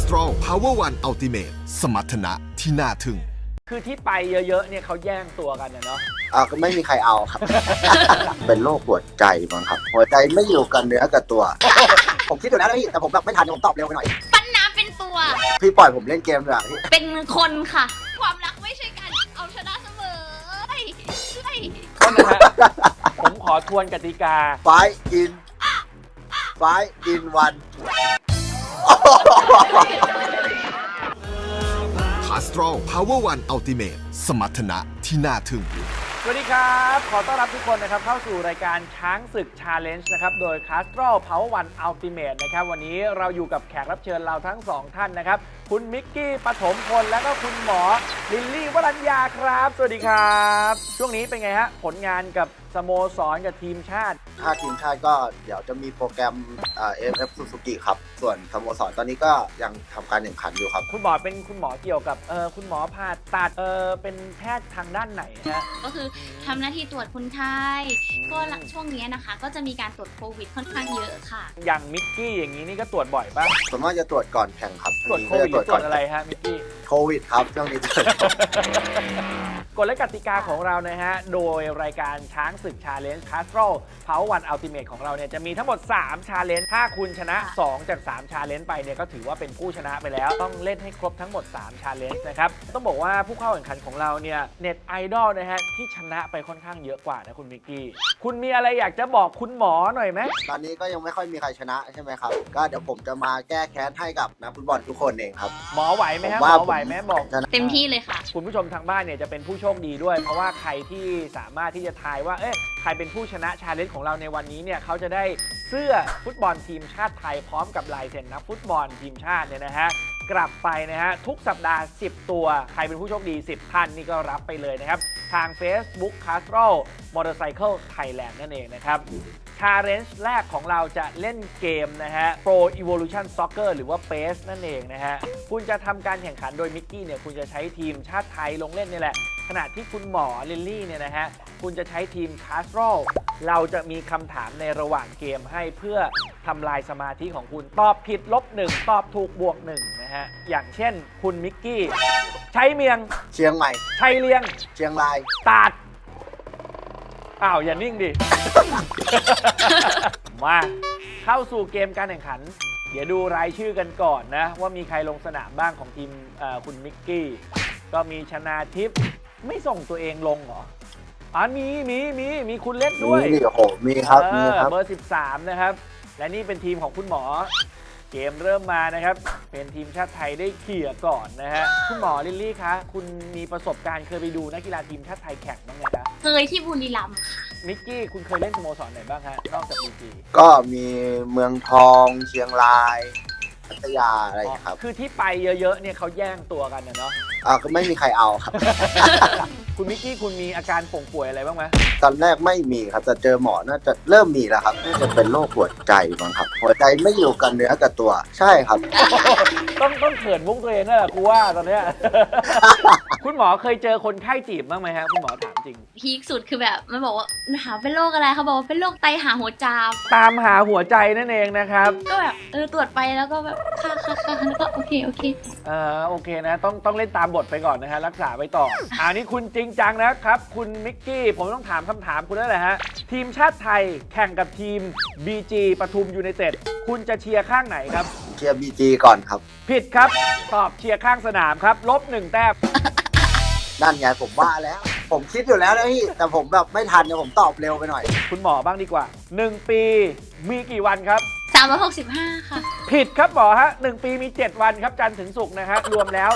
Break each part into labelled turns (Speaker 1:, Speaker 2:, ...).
Speaker 1: Castrol Power One Ultimate สมรรถนะที่น่าทึ่ง
Speaker 2: คือที่ไปเยอะๆเนี่ยเขาแย่งตัวกันนะเนาะ
Speaker 3: ก็ไม่มีใครเอาครับ เป็นโรคหัวใจมั้งครับหัวใจไม่อยู่กับเนื้อกับตัว ผมคิดอยู่แล้วนะพี่แต่ผมแบบไม่ทันผมตอบเร็วไปหน่อย
Speaker 4: ปั้นน้ำเป็นตัว
Speaker 3: พี่ปล่อยผมเล่นเกมดีกว่าพี่
Speaker 4: เป็นคนค่ะ ความรักไม่ใช่การเอาชนะเสมอ
Speaker 2: ก็นะฮะ ผมขอทวนกติกา
Speaker 3: Five in one
Speaker 1: Castrol Power One Ultimate สมรรถนะที่น่าทึ่ง
Speaker 2: สวัสดีครับขอต้อนรับทุกคนนะครับเข้าสู่รายการช้างศึก Challenge นะครับโดย Castrol Power One Ultimate นะครับวันนี้เราอยู่กับแขกรับเชิญเราทั้งสองท่านนะครับคุณมิกกี้ปฐมพลและก็คุณหมอลิลลี่วรัญญาครับสวัสดีครับช่วงนี้เป็นไงฮะผลงานกับสโมสรกับทีมชาติ
Speaker 3: ถ้าทีมชาติก็เดี๋ยวจะมีโปรแกรมAFF Suzuki ครับส่วนสโมสรตอนนี้ก็ยังทำการแข่งขันอยู่ครับ
Speaker 2: คุณหมอเป็นคุณหมอเกี่ยวกับคุณหมอผ่าตัดเป็นแพทย์ทางด้านไหนฮะ
Speaker 4: ก็คือทำหน้าที่ตรวจคนไข้ก็ช่วงนี้นะคะก็จะมีการตรวจโควิดค่อนข้างเยอะค่ะ
Speaker 2: อย่างมิกกี้อย่างนี้นี่ก็ตรวจบ่อยป่ะ
Speaker 3: ส่วนมากจะตรวจก่อนแข่งครับ
Speaker 2: ตรวจโควิดตรวจอะไรฮะมิกกี้
Speaker 3: โควิดครับช่วงนี้
Speaker 2: กฎและกติกาของเรานะฮะโดยรายการช้างศึก Challenge Castrol Power One Ultimate ของเราเนี่ยจะมีทั้งหมด3 Challenge ถ้าคุณชนะ2จาก3 Challenge ไปเนี่ยก็ถือว่าเป็นผู้ชนะไปแล้วต้องเล่นให้ครบทั้งหมด3 Challenge นะครับต้องบอกว่าผู้เข้าแข่งขันของเราเนี่ยเน็ตไอดอลนะฮะที่ชนะไปค่อนข้างเยอะกว่านะคุณมิกกี้คุณมีอะไรอยากจะบอกคุณหมอหน่อยไหม
Speaker 3: ตอนนี้ก็ยังไม่ค่อยมีใครชนะใช่ไหมครับก็เดี๋ยวผมจะมาแก้แค้นให้กับนักฟุตบอลทุกคนเองครับ
Speaker 2: หมอไหวไหมฮะหมอไหวไหมบอก
Speaker 4: เต็มที่เลยค่ะ
Speaker 2: คุณผู้ชมทางบ้านเนี่ยจะเป็นผู้โชคดีด้วยเพราะว่าใครที่สามารถที่จะทายว่าใครเป็นผู้ชนะชาเลนจ์ของเราในวันนี้เนี่ยเขาจะได้เสื้อฟุตบอลทีมชาติไทยพร้อมกับลายเซ็นนักฟุตบอลทีมชาติเนี่ยนะฮะกลับไปนะฮะทุกสัปดาห์10ตัวใครเป็นผู้โชคดี10ท่านนี่ก็รับไปเลยนะครับทาง Facebook Castrol Motorcycle Thailand นั่นเองนะครับChallenge แรกของเราจะเล่นเกมนะฮะ Pro Evolution Soccer หรือว่า PES นั่นเองนะฮะคุณจะทำการแข่งขันโดยมิกกี้เนี่ยคุณจะใช้ทีมชาติไทยลงเล่นนี่แหละขณะที่คุณหมอลิลลี่เนี่ยนะฮะคุณจะใช้ทีม Castrol เราจะมีคำถามในระหว่างเกมให้เพื่อทำลายสมาธิของคุณตอบผิด-1ตอบถูก+1นะฮะอย่างเช่นคุณมิกกี้ใช้เมียง
Speaker 3: เชียงใหม่
Speaker 2: ชัยเลียง
Speaker 3: เชียงราย
Speaker 2: ตาดอ้าวอย่านิ่งดิ มาเข้าสู่เกมการแข่งขันเดี๋ยวดูรายชื่อกันก่อนนะว่ามีใครลงสนามบ้างของทีมคุณมิกกี้ก็มีชนาทิพย์ไม่ส่งตัวเองลงเหรอมีคุณเล่นด้วย
Speaker 3: มีโอ้โหมีครับ
Speaker 2: เบอร์13นะครับและนี่เป็นทีมของคุณหมอเกมเริ่มมานะครับเป็นทีมชาติไทยได้เขี่ยก่อนนะฮะคุณหมอลิลลี่คะคุณมีประสบการณ์เคยไปดูนักกีฬาทีมชาติไทยแข่งบ้างไหมคะ
Speaker 4: เคยที่บุรีรัมย์ค่ะ
Speaker 2: มิกกี้คุณเคยเล่นสโมสรไหนบ้างฮะนอกจากบีจี
Speaker 3: ก็มีเมืองทองเชียงรายพัทยาอะไรครับ
Speaker 2: คือที่ไปเยอะๆเนี่ยเขาแย่งตัวกันเนาะ
Speaker 3: ก็ไม่มีใครเอาครับ
Speaker 2: คุณมิกกี้คุณมีอาการป่งป่วยอะไรบ้างไหม
Speaker 3: ตอนแรกไม่มีครับแต่เจอหมอน่าจะเริ่มมีแล้วครับน่าจะเป็นโรคหัวใจมั้งครับหัวใจไม่อยู่กับเนื้อกับตัวใช่ครับ
Speaker 2: ต้องเขินมุกตัวเองนั่นแหละกูว่าตอนเนี้ย คุณหมอเคยเจอคนไข้จีบบ้างไหมฮะคุณหมอถามจริง
Speaker 4: พีคสุดคือแบบมันบอกว่าหาเป็นโรคอะไรเขาบอกว่าเป็นโรคไตหาหัวจาม
Speaker 2: ตามหาหัวใจนั่นเองนะครับ
Speaker 4: ก็แบบตรวจไปแล้วก็แบบค่ะแล้วก็โอเคโอ
Speaker 2: เคนะต้องเล่นตามบทไปก่อนนะฮะรักษาไว้ต่ออันนี้คุณจริงจังนะครับคุณมิกกี้ผมต้องถามคำถามคุณแล้วแหละฮะทีมชาติไทยแข่งกับทีม BG ปทุมยูไนเต็ดคุณจะเชียร์ข้างไหนครับ
Speaker 3: เชียร์ BG ก่อนครับ
Speaker 2: ผิดครับตอบเชียร์ข้างสนามครับ-1 แต้ม
Speaker 3: นั่นไงผมว่าแล้วผมคิดอยู่แล้วนะพี่แต่ผมแบบไม่ทันเนี่ยผมตอบเร็วไปหน่อย
Speaker 2: คุณหมอบ้างดีกว่า1ปีมีกี่วันครับ
Speaker 4: 365ค่ะ
Speaker 2: ผิดครับหมอฮะ1ปีมี7วันครับจันทร์ถึงศุกร์นะฮะรวมแล้ว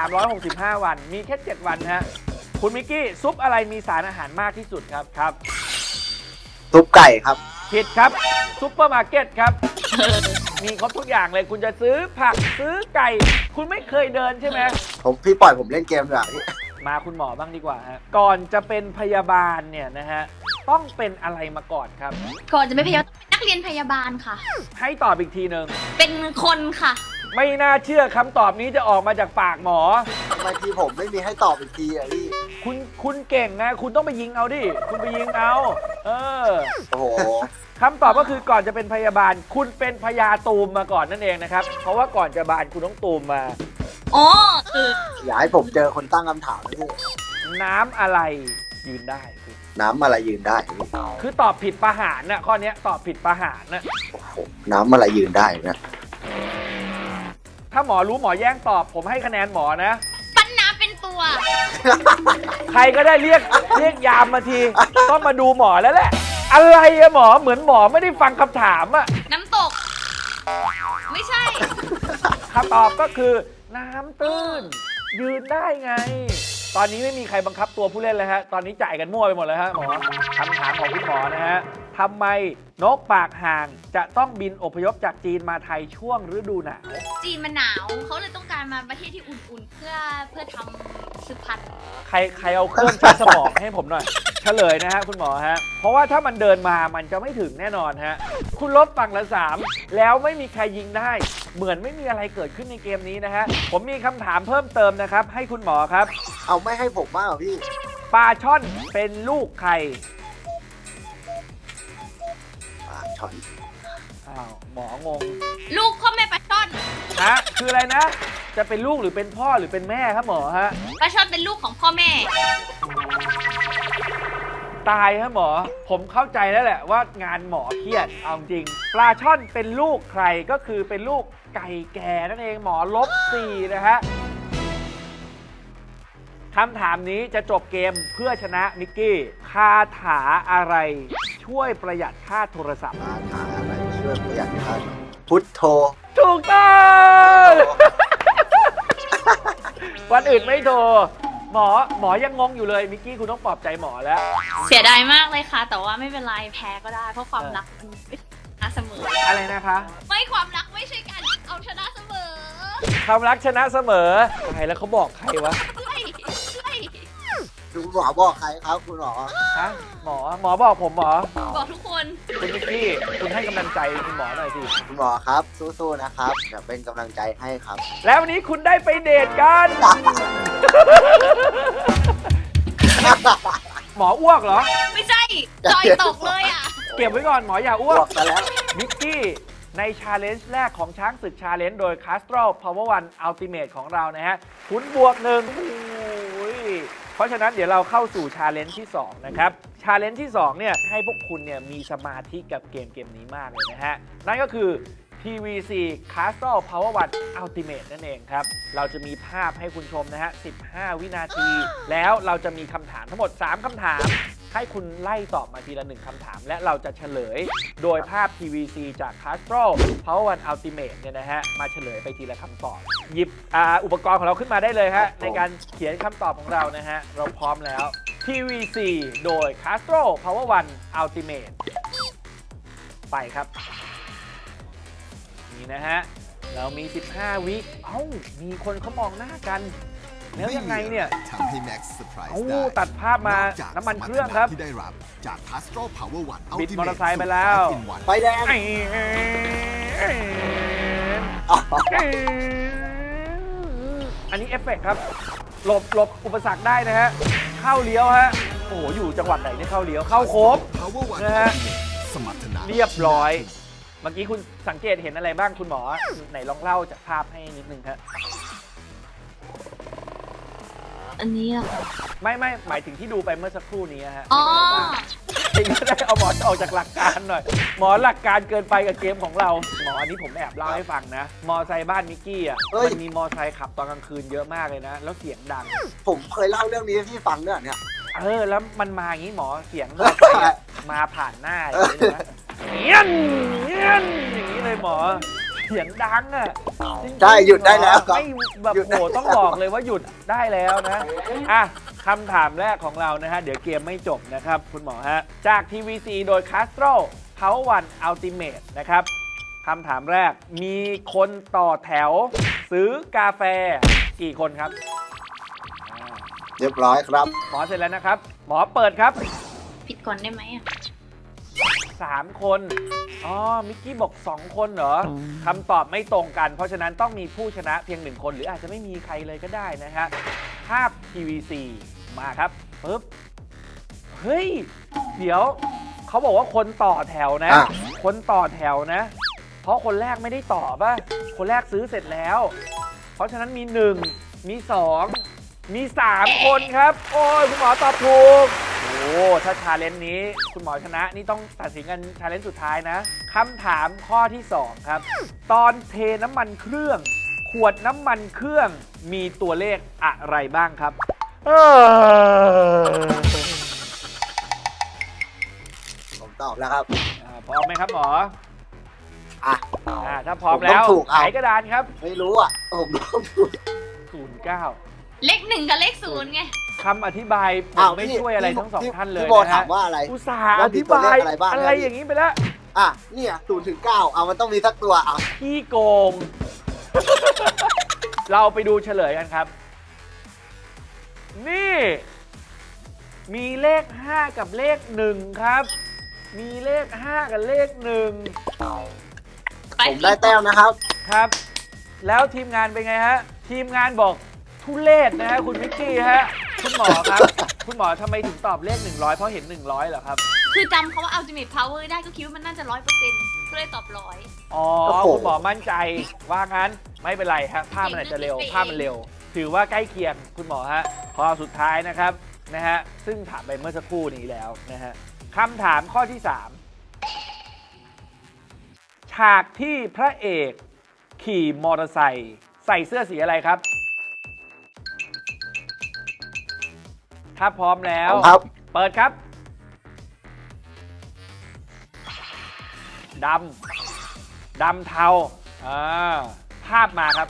Speaker 2: 365วันมีแค่7วันฮะคุณมิกกี้ซุปอะไรมีสารอาหารมากที่สุดครับ
Speaker 3: ซุปไก่ครับ
Speaker 2: ผิดครับซุปเปอร์มาร์เก็ตครับมีครบทุกอย่างเลยคุณจะซื้อผักซื้อไก่คุณไม่เคยเดินใช่ไหม
Speaker 3: พี่ปล่อยผมเล่นเกมดีกว่าพี่
Speaker 2: มาคุณหมอบ้างดีกว่าฮะก่อนจะเป็นพยาบาลเนี่ยนะฮะต้องเป็นอะไรมาก่อนครับ
Speaker 4: ก่อนจะเป็นพยาบาลต้องเป็นนักเรียนพยาบาลค่ะ
Speaker 2: ให้ตอบอีกทีหนึ่ง
Speaker 4: เป็นคนค่ะ
Speaker 2: ไม่น่าเชื่อคำตอบนี้จะออกมาจากปากหมอ
Speaker 3: ำไมทีผมไม่มีให้ตอบอีกทีอ่ะพี่
Speaker 2: คุณเก่งนะคุณต้องไปยิงเอาดิคุณไปยิงเอา
Speaker 3: โอ้โห
Speaker 2: คำตอบก็คือก่อนจะเป็นพยาบาล คุณเป็นพญาตูมมาก่อนนั่นเองนะครับเพราะว่าก่อนจะบานคุณต้องตูมมา
Speaker 4: อ๋อคือ
Speaker 3: อย่าให้ผมเจอคนตั้งคำถามนะพี่
Speaker 2: น้ำอะไรยืนได้คุณ
Speaker 3: น้ำอะไรยืนได้พี่
Speaker 2: คือตอบผิดประหารนะข้อเนี้ยตอบผิดประหารนะ
Speaker 3: โอ้โหน้ำอะไรยืนได้นะ
Speaker 2: ถ้าหมอรู้หมอแย่งตอบผมให้คะแนนหมอนะ
Speaker 4: ปั้นน้ำเป็นตัว
Speaker 2: ใครก็ได้เรียกยามมาทีต้องมาดูหมอแล้วแหละ อะไรอะหมอเหมือนหมอไม่ได้ฟังคำถามอะ
Speaker 4: น้ำตก ไม่ใช่
Speaker 2: คำตอบก็คือ น้ำตื้น ยืนได้ไง ตอนนี้ไม่มีใครบังคับตัวผู้เล่นเลยฮะตอนนี้จ่ายกันมั่วไปหมดเลยฮะหมอคำถามของคุณหมอนะฮะทำไมนกปากห่างจะต้องบินอพยพจากจีนมาไทยช่วงฤดูหนาว
Speaker 4: จีนมันหนาวเขาเลยต้องการมาประเทศที่อุ่นๆ เพื่อทำสืบพันธุ์
Speaker 2: ใครเอาเครื่องชั่งสมองให้ผมหน่อย เฉลยนะฮะคุณหมอฮะ เพราะว่าถ้ามันเดินมามันจะไม่ถึงแน่นอนฮะ คุณลบฝั่งละ 3 แล้วไม่มีใครยิงได้ เหมือนไม่มีอะไรเกิดขึ้นในเกมนี้นะฮะ ผมมีคำถามเพิ่มเติมนะครับ ให้คุณหมอครับ
Speaker 3: เอาไม่ให้ผมบ้างเหรอพี่
Speaker 2: ปลาช่อนเป็นลูกใคร
Speaker 3: ช็อต
Speaker 2: อ้าวหมองง
Speaker 4: ลูกพ่อแม่ปลาช่อน
Speaker 2: ฮะคืออะไรนะ จะเป็นลูกหรือเป็นพ่อหรือเป็นแม่ครับหมอฮะ
Speaker 4: ปลาช่อนเป็นลูกของพ่อแม่
Speaker 2: ตายฮะหมอ ผมเข้าใจแล้วแหละว่างานหมอเครียดเอาจริง ปลาช่อนเป็นลูกใครก็คือเป็นลูกไก่แก่นั่นเองหมอ-4นะฮะคำถามนี้จะจบเกมเพื่อชนะมิกกี้คาถาอะไรช่วยประหยัดค่าโทรศัพท์
Speaker 3: คาถาอะไรช่วยประหยัดค่าพุทโธ
Speaker 2: ถูกต้องวันอื่นไม่โทรหมอยังงงอยู่เลยมิกกี้คุณต้องปลอบใจหมอแล้ว
Speaker 4: เสียดายมากเลยค่ะ แต่ว่าไม่เป็นไรแพ้ก็ได้ เพราะความรักมันไม่ชนะเสมอ
Speaker 2: อะไรนะคะ
Speaker 4: ไม่ความรักไม่ใช่การเอาชนะเสมอ
Speaker 2: ความรักชนะเสมอใครแล้วเขาบอกใครวะ
Speaker 4: ด้วย
Speaker 3: คุณหมอบอกใครครับคุณหมอ
Speaker 2: ฮะหมอบอกผมหมอ
Speaker 4: บอกทุกคน
Speaker 2: คุณมิกกี้คุณให้กำลังใจคุณหมอหน่อยสิ
Speaker 3: คุณหมอครับสู้ๆนะครับเดี๋ยวเป็นกำลังใจให้ครับ
Speaker 2: แล้ววันนี้คุณได้ไปเดทกัน หมออ้วกเหรอ
Speaker 4: ไม่ใช่ จอยตกเลยอ่ะ
Speaker 2: เก็บไว้ก่อนหมออย่าอ้ว
Speaker 3: บ
Speaker 2: ก
Speaker 3: อกกันแล้ว
Speaker 2: มิกกี้ในชาเลนจ์แรกของช้างศึกชาเลนจ์โดย Castro Power One Ultimate ของเรานะฮะคุณบวก1เพราะฉะนั้นเดี๋ยวเราเข้าสู่ชาเลนจ์ที่ 2 นะครับชาเลนจ์ที่ 2 เนี่ยให้พวกคุณเนี่ยมีสมาธิกับเกมนี้มากเลยนะฮะ นั่นก็คือ TVC Castro Power One Ultimate นั่นเองครับ เราจะมีภาพให้คุณชมนะฮะ 15 วินาที แล้วเราจะมีคำถามทั้งหมด 3 คำถาม ให้คุณไล่ตอบมาทีละ 1 คำถาม และเราจะเฉลยโดยภาพ TVC จาก Castro Power One Ultimate เนี่ยนะฮะ มาเฉลยไปทีละคำตอบ หยิบอุปกรณ์ของเราขึ้นมาได้เลยฮะ ในการเขียนคำตอบของเรานะฮะ เราพร้อมแล้ว TVC โดย Castro Power One Ultimate ไปครับ นี่นะฮะ เรามี 15 วิมีคนเขามองหน้ากัน แล้วยังไงเนี่ย
Speaker 1: ทำให้แม็กซ์เซอร์ไพรส์
Speaker 2: เอ้า
Speaker 1: ได้
Speaker 2: ตัดภาพมา
Speaker 1: นอกจาก
Speaker 2: น้ำมันเครื่องครับ
Speaker 1: ที่ได้รับจาก Castro Power One
Speaker 2: บิด
Speaker 1: Ultimate
Speaker 2: มอเตอร์ไซค์ไปแล้ว
Speaker 1: สูตร 5 in 1
Speaker 3: ไฟแดง
Speaker 2: อันนี้เอฟเฟกต์ครับ หลบอุปสรรคได้นะฮะ เข้าเลี้ยวฮะ โอ้โห อยู่จังหวัดไหนเนี่ยเข้าเลี้ยว เข้าโค้ง
Speaker 1: Power One
Speaker 2: นะฮะ
Speaker 1: Ultimate สมรรถนะ
Speaker 2: เรียบร้อย เมื่อกี้คุณสังเกตเห็นอะไรบ้างคุณหมอ ไหนลองเล่าจากภาพให้นิดนึงครับ
Speaker 4: อันนี้อะค่ะ
Speaker 2: ไม่หมายถึงที่ดูไปเมื่อสักครู่นี้ฮะ
Speaker 4: อ๋อ
Speaker 2: จริงก็ได้เอาหมอออกจากหลักการหน่อย หมอหลักการเกินไปกับเกมของเรา หมออันนี้ผมแอบเล่าให้ฟังนะ มอไซค์บ้านมิกกี้อ่ะ
Speaker 3: เฮ้ย
Speaker 2: มันมีมอไซค์ขับตอนกลางคืนเยอะมากเลยนะ แล้วเสียงดัง
Speaker 3: ผมเคยเล่าเรื่องนี้ให้พี่ฟังด้วยเนี่ย
Speaker 2: แล้วมันมาอย่างนี้หมอเสียงมอไซค์อะมาผ่านหน้าอย่างนี้นะเงี้ยนอย่างนี้เลยหมอ เสียงดังอ่ะจริงๆ
Speaker 3: ใช่หยุดได้แล้วครับ
Speaker 2: ไม่แบบ
Speaker 3: หยุดได้
Speaker 2: โหต้องบอกเลยว่าหยุดได้แล้วนะอ่ะคำถามแรกของเรานะฮะ เดี๋ยวเกมไม่จบนะครับ คุณหมอฮะ จาก TVC โดย Castro Power One Ultimate นะครับคำถามแรกมีคนต่อแถว ซื้อกาแฟกี่คนครับ
Speaker 3: เรียบร้อยครับ
Speaker 2: หมอเสร็จแล้วนะครับ หมอเปิดครับ
Speaker 4: ผิดก่อนได้ไหมอ่ะ
Speaker 2: 3 คนอ๋อมิกกี้บอก2 คนเหรอคำตอบไม่ตรงกัน เพราะฉะนั้นต้องมีผู้ชนะเพียง1 คนหรืออาจจะไม่มีใครเลยก็ได้นะฮะภาพ PVC มาครับปึ๊บเฮ้ยเดี๋ยวเขาบอกว่าคนต่อแถวนะคนต่อแถวนะเพราะคนแรกไม่ได้ต่อป่ะคนแรกซื้อเสร็จแล้วเพราะฉะนั้นมี1มี2มี3 คนครับโอ้ยคุณหมอตอบถูกโอ้ถ้าชาเลนจ์นี้คุณหมอชนะนี่ต้องตัดสินกันชาเลนจ์สุดท้ายนะคำถามข้อที่2ครับตอนเทน้ำมันเครื่องขวดน้ำมันเครื่องมีตัวเลขอะไรบ้างครับ
Speaker 3: ผมตอบแล้วครับ
Speaker 2: พร้อมไหมครับหมอ
Speaker 3: อ่ะ
Speaker 2: ถ้าพร้อมแล้ว
Speaker 3: ผมต้องถูกเอา
Speaker 2: ไขกระดานครับ
Speaker 3: ไม่รู้อ่ะผมต้องถูก
Speaker 2: 09
Speaker 4: เลข 1 กับเลข 0 ไง
Speaker 2: คำอธิบายผมไม่ช่วยอะไรทั้งสองท่านเลย
Speaker 3: พี่โบ
Speaker 2: นะ
Speaker 3: ถา
Speaker 2: ฮะ
Speaker 3: มว่าอะไร
Speaker 2: อุตส่าห์อ
Speaker 3: ว่ามี
Speaker 2: ธิ
Speaker 3: ตัว
Speaker 2: บา
Speaker 3: เลย ขอะไรบ้าง
Speaker 2: อะไรอย่างนี้ไปแล้ว
Speaker 3: อ่ะเนี่ย0 ถึง 9เอามันต้องมีสักตัวอ่ะ
Speaker 2: พี่โกง เราไปดูเฉลยกันครับ นี่ มีเลข 5 กับเลข 1 ครับ มีเลข 5 กับเลข 1
Speaker 3: ผมได้แต้มนะครับ
Speaker 2: ครับ แล้วทีมงานเป็นไงฮะ ทีมงานบอกทุเลศนะฮะคุณวิกกี้ฮะ คุณหมอครับ คุณหมอทำไมถึงตอบเลข 100 เพราะเห็น 100เหรอครับ
Speaker 4: คือจำคำว่า ultimate power ได้ก็คิดว่ามันน่าจะ 100%ก็เลยตอบ 100
Speaker 2: อ๋อ
Speaker 3: โอ้โห
Speaker 2: คุณหมอมั่นใจว่างั้นไม่เป็นไรครับภาพมันอาจจะเร็วภาพมันเร็ว ถือว่าใกล้เคียงคุณหมอฮะข้อสุดท้ายนะครับนะฮะซึ่งถามไปเมื่อสักครู่นี้แล้วนะฮะคำถามข้อที่ 3 ฉากที่พระเอกขี่มอเตอร์ไซค์ใส่เสื้อสีอะไรครับ ถ้าพร้อมแล้ว
Speaker 3: ครับ
Speaker 2: เปิดครับดำเทาภาพมาครับ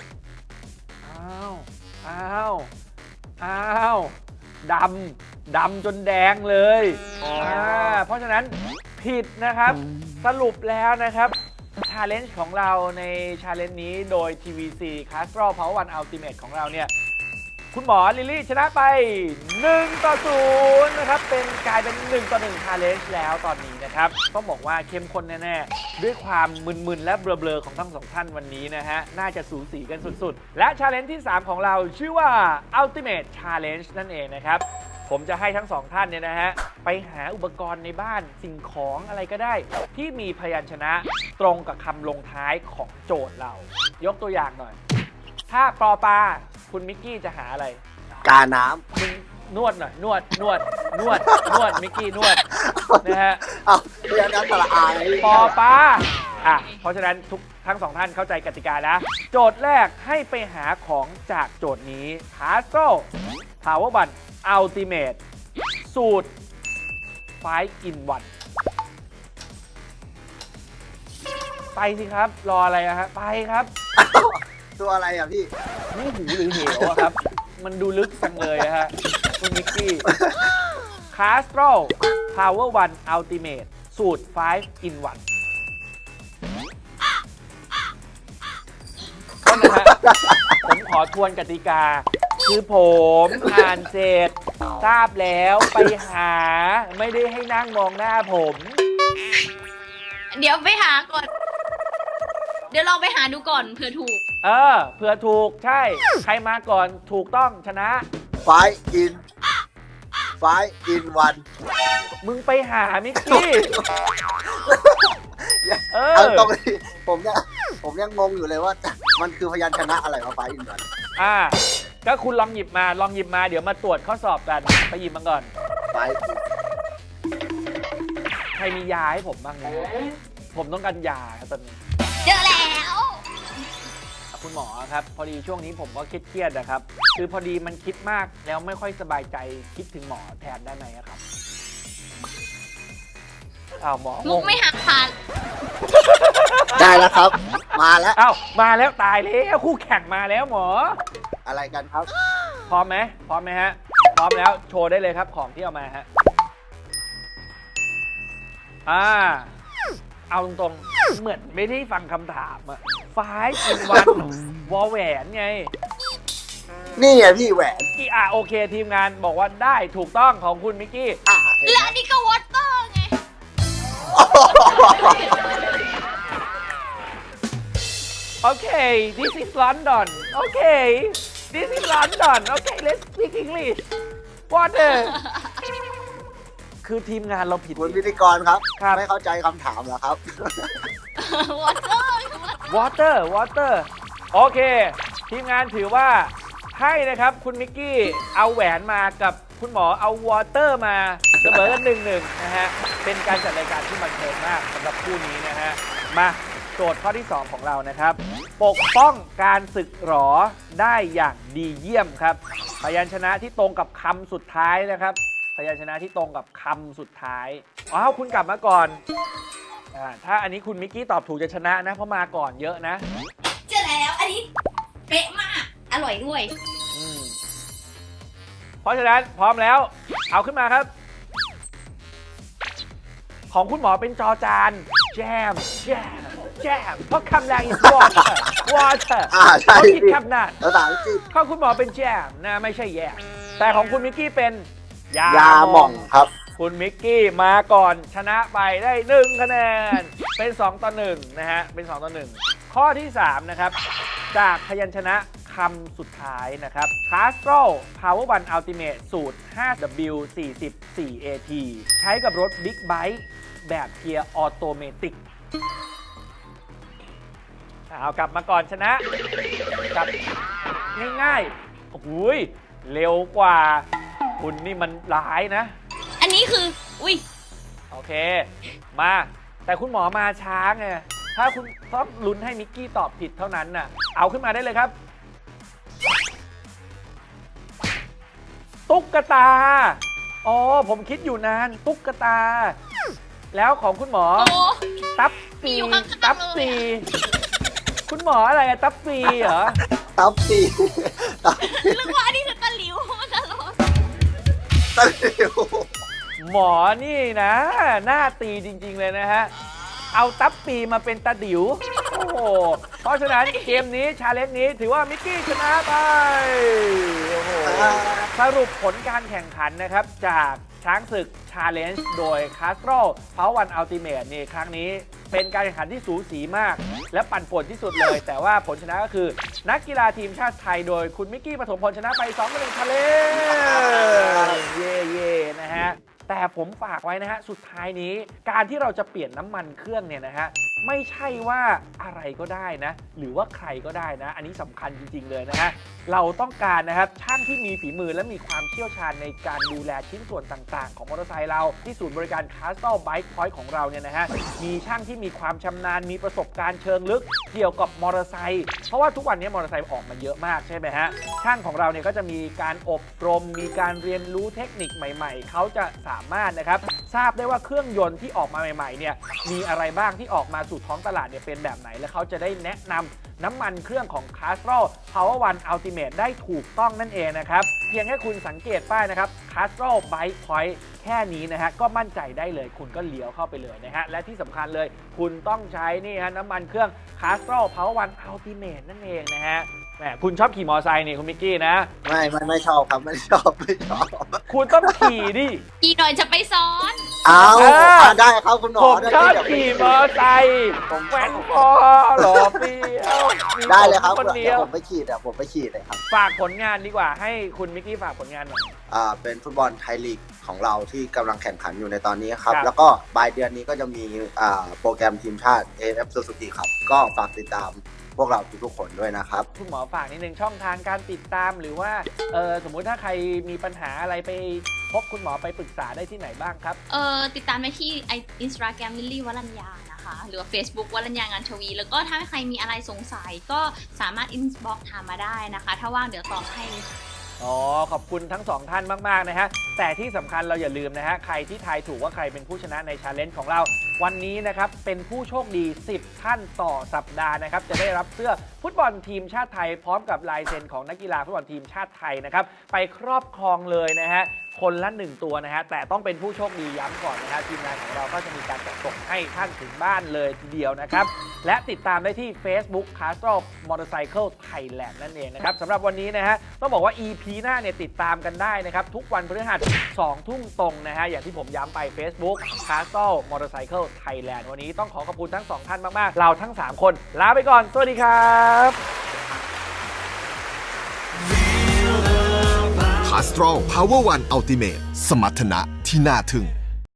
Speaker 2: อ้าวดำจนแดงเลยเพราะฉะนั้นผิดนะครับสรุปแล้วนะครับชาเลนจ์ของเราในชาเลนจ์นี้โดย TVC Castrol Power One Ultimate ของเราเนี่ยคุณหมอลิลลี่ชนะไป1-0นะครับกลายเป็น1-1 challenge แล้วตอนนี้นะครับต้องบอกว่าเข้มข้นแน่ๆด้วยความมึนๆและเบลอๆของทั้งสองท่านวันนี้นะฮะน่าจะสูสีกันสุดๆและ challenge ที่ 3 ของเราชื่อว่า Ultimate Challenge นั่นเองนะครับผมจะให้ทั้งสองท่านเนี่ยนะฮะไปหาอุปกรณ์ในบ้านสิ่งของอะไรก็ได้ ที่มีพยัญชนะตรงกับคำลงท้ายของโจทย์เรายกตัวอย่างหน่อยถ้าปอปลาคุณมิกกี้จะหาอะไร
Speaker 3: กาน้
Speaker 2: มึงนวดหน่อยนวดมิกกี้นวดนะฮะ
Speaker 3: ำเอาเรียนน้ำสระอาเลย
Speaker 2: ปอปลาเพราะฉะนั้นทั้งสองท่านเข้าใจกติกานะโจทย์แรกให้ไปหาของจากโจทย์นี้ Castrol Power One Ultimate สูตร 5 in 1 ไปสิครับรออะไรอะฮะไปครับ
Speaker 3: ตัวอะไรอ่ะพี่
Speaker 2: นี่หูหรือเหวอะครับ มันดูลึกจังเลยอะฮะคุณมิกกี้ Castrol Power One Ultimate สูตร 5 in 1ก็นะฮะ ผมขอทวนกติกา คือผมอ่านเสร็จทราบแล้วไปหาไม่ได้ให้นั่งมองหน้าผม
Speaker 4: เดี๋ยวไปหาก่อน เดี๋ยวลองไปหาดูก่อนเผื่อถูก
Speaker 2: เผื่อถูกใช่ ใครมาก่อนถูกต้องชนะ
Speaker 3: 5 in 1
Speaker 2: มึงไปหามิกกี้
Speaker 3: เอาตรงนี้ผมยังงงอยู่เลยว่า มันคือพยัญชนะอะไรมา5 in 1
Speaker 2: ก็คุณลองหยิบมาเดี๋ยวมาตรวจข้อสอบกันไปหยิบมาก่อน ใครมียาให้ผมบ้างไหมผมต้องการยาครับตอนนี้
Speaker 4: เจอแล้ว
Speaker 2: คุณหมอครับพอดีช่วงนี้ผมก็เครียดๆนะครับ คือพอดีมันคิดมากแล้วไม่ค่อยสบายใจคิดถึงหมอแทนได้ไหมครับหมอ
Speaker 4: มุกไม่หักผ่าน
Speaker 3: ได้แล้วครับ มาแล้ว
Speaker 2: มาแล้วตายแล้วคู่แข่งมาแล้วหมอ
Speaker 3: อะไรกันครับ
Speaker 2: พร้อมไหมฮะพร้อมแล้วโชว์ได้เลยครับของที่เอามาฮะเอาตรงๆเหมือนไม่ได้ฟังคำถามอะ5 in 1 วอลแหวนไง
Speaker 3: นี่ไงพี่แหวน
Speaker 2: โอเคทีมงานบอกว่าได้ถูกต้องของคุณมิกกี้
Speaker 3: เห็น
Speaker 4: และ
Speaker 3: ไหม
Speaker 4: อันนี้ก็วอเตอร์ไง
Speaker 3: โอ้
Speaker 2: Okay, this is London. Okay, this is London. Okay, let's speak English. Water. คือทีมงานเราผิด
Speaker 3: คุณพิธีกรครับ
Speaker 2: ครับ
Speaker 3: ไม่เข้าใจคำถามเหรอครับ
Speaker 2: Water โอเค ทีมงานถือว่าให้นะครับคุณมิกกี้เอาแหวนมากับคุณหมอเอาวอเตอร์มาเสมอกัน1-1นะฮะเป็นการจัดรายการที่บันเทิงมากสำหรับคู่นี้นะฮะมาโจทย์ข้อที่ 2 ของเรานะครับ ปกป้องการสึกหรอได้อย่างดีเยี่ยมครับพยัญชนะที่ตรงกับคำสุดท้ายนะครับพยัญชนะที่ตรงกับคำสุดท้ายอ้าวคุณกลับมาก่อนถ้าอันนี้คุณมิกกี้ตอบถูกจะชนะนะเพราะมาก่อนเยอะนะ
Speaker 4: เจอแล้วอันนี้เป๊ะมากอร่อยด้วย
Speaker 2: เพราะฉะนั้นพร้อมแล้วเอาขึ้นมาครับ ของคุณหมอเป็นจอจานแจมเพราะคำแรก is water
Speaker 3: ใช่
Speaker 2: เขาคิดคำนั้น
Speaker 3: ภาษาอังกฤษ
Speaker 2: ข้อคุณหมอเป็นแจมนะไม่ใช่แย่แต่ของคุณมิกกี้เป็นยาย
Speaker 3: าหม่องครับ
Speaker 2: คุณมิกกี้มาก่อนชนะไปได้1คะแนนเป็น2-1นะฮะเป็น2-1ข้อที่3นะครับจากพยัญชนะคำสุดท้ายนะครับ Castrol Power One Ultimate สูตร 5W40 4AT ใช้กับรถ Big Bike แบบเกียร์ออโตเมติกเอากลับมาก่อนชนะกลับง่ายๆโอ้โหเร็วกว่าคุณนี่มันร้ายนะ
Speaker 4: อันนี้คืออุ้ย
Speaker 2: โอเคมาแต่คุณหมอมาช้าไงถ้าคุณต้องลุ้นให้มิกกี้ตอบผิดเท่านั้นน่ะเอาขึ้นมาได้เลยครับตุ๊กตาอ๋อผมคิดอยู่นานตุ๊กตาแล้วของคุณหมอ
Speaker 4: โอ้
Speaker 2: ตับปี
Speaker 4: มีอยู่ข้างๆ
Speaker 2: ตับ
Speaker 4: เลย
Speaker 2: ปี
Speaker 4: อะ
Speaker 2: คุณหมออะไรอะตับปีเหรอ
Speaker 3: ตับตีตับ
Speaker 4: นึกว่าอันนี้คือตะหลิวมันตลก
Speaker 3: ตะหลิว
Speaker 2: หมอนี่นะหน้าตีจริงๆเลยนะฮะเอาตับปีมาเป็นตาดิวโอ้โหเพราะฉะนั้นเกมนี้ชาเลนจ์นี้ถือว่ามิกกี้ชนะไปโอ้โหสรุปผลการแข่งขันนะครับจากช้างศึก Challenge โดย Castrol Power One Ultimate นี่ครั้งนี้เป็นการแข่งขันที่สูสีมาก และปั่นป่วนที่สุดเลย แต่ว่าผลชนะก็คือนักกีฬาทีมชาติไทยโดยคุณมิกกี้ปฐมพลชนะไป2-1 Challenge เย่ๆนะฮะแต่ผมฝากไว้นะฮะสุดท้ายนี้การที่เราจะเปลี่ยนน้ำมันเครื่องเนี่ยนะฮะไม่ใช่ว่าอะไรก็ได้นะหรือว่าใครก็ได้นะอันนี้สำคัญจริงๆเลยนะฮะเราต้องการนะครับช่างที่มีฝีมือและมีความเชี่ยวชาญในการดูแลชิ้นส่วนต่างๆของมอเตอร์ไซค์เราที่ศูนย์บริการ Castrol Bike Point ของเราเนี่ยนะฮะมีช่างที่มีความชำนาญมีประสบการณ์เชิงลึกเกี่ยวกับมอเตอร์ไซค์เพราะว่าทุกวันนี้มอเตอร์ไซค์ออกมาเยอะมากใช่ไหมฮะช่างของเราเนี่ยก็จะมีการอบรมมีการเรียนรู้เทคนิคใหม่ๆเขาจะสามารถนะครับทราบได้ว่าเครื่องยนต์ที่ออกมาใหม่ๆเนี่ยมีอะไรบ้างที่ออกมาสู่ท้องตลาดเนี่ยเป็นแบบไหนและเขาจะได้แนะนำน้ำมันเครื่องของ Castrol Power One Ultimate ได้ถูกต้องนั่นเองนะครับเพียงแค่คุณสังเกตป้ายนะครับ Castrol Bike Point แค่นี้นะฮะก็มั่นใจได้เลยคุณก็เลี้ยวเข้าไปเลยนะฮะและที่สำคัญเลยคุณต้องใช้นี่ฮะน้ำมันเครื่อง Castrol Power One Ultimate นั่นเองนะฮะแหมคุณชอบขี่มอเตอร์ไซค์นี่คุณมิกกี้นะ
Speaker 3: ไม่ชอบครับไม่ชอบ
Speaker 2: คุณต้องขี่ดิ
Speaker 4: กี่หน่อยจะไปซ้อน
Speaker 3: เอาได้ครับคุณหมอ
Speaker 2: ผมชอบขี่มอเตอร์ไซค์แว้นคอหล่อเฟี้ยวมี
Speaker 3: ได้เลยครับ
Speaker 2: คนเดี
Speaker 3: เดี๋
Speaker 2: ย
Speaker 3: ยว
Speaker 2: ว
Speaker 3: ผมไปขี่เลยครับ
Speaker 2: ฝากผลงานดีกว่าให้คุณมิกกี้ฝากผลงานหน่อย
Speaker 3: เป็นฟุตบอลไทยลีกของเราที่กำลังแข่งขันอยู่ในตอนนี้ครับ
Speaker 2: ครับ
Speaker 3: แล้วก็ปลายเดือนนี้ก็จะมีโปรแกรมทีมชาติ AF Suzuki ครับก็ฝากติดตามพวกเราทุกๆคนด้วยนะครับ
Speaker 2: คุณหมอฝากนิดนึงช่องทางการติดตามหรือว่าสมมุติถ้าใครมีปัญหาอะไรไปพบคุณหมอไปปรึกษาได้ที่ไหนบ้างครับ
Speaker 4: ติดตามได้ที่ Instagram ลิลลี่วรัญญานะคะหรือว่า Facebook วรัญญางานชวี แล้วก็ถ้าใครมีอะไรสงสัยก็สามารถ inbox ถามมาได้นะคะ ถ้าว่างเดี๋ยวตอบให้
Speaker 2: อ๋อขอบคุณทั้งสองท่านมากๆนะฮะแต่ที่สำคัญเราอย่าลืมนะฮะใครที่ทายถูกว่าใครเป็นผู้ชนะในชาเลนจ์ของเราวันนี้นะครับเป็นผู้โชคดี10ท่านต่อสัปดาห์นะครับจะได้รับเสื้อฟุตบอลทีมชาติไทยพร้อมกับลายเซ็นของนักกีฬาฟุตบอลทีมชาติไทยนะครับไปครอบครองเลยนะฮะคนละ1ตัวนะฮะแต่ต้องเป็นผู้โชคดีย้ำก่อนนะฮะทีมงานของเราก็จะมีการจัดส่งให้ท่านถึงบ้านเลยทีเดียวนะครับและติดตามได้ที่ Facebook Castrol Motorcycle Thailand นั่นเองนะครับสำหรับวันนี้นะฮะต้องบอกว่า EP หน้าเนี่ยติดตามกันได้นะครับทุกวันพฤหัส 2 ทุ่มตรงนะฮะอย่างที่ผมย้ำไป Facebook Castle Motorcycle Thailand วันนี้ต้องขอบคุณทั้ง 2 ท่านมากๆเราทั้ง 3 คนลาไปก่อนสวัสดีครับ
Speaker 1: Castrol Power One Ultimate สมรรถนะที่น่าทึ่ง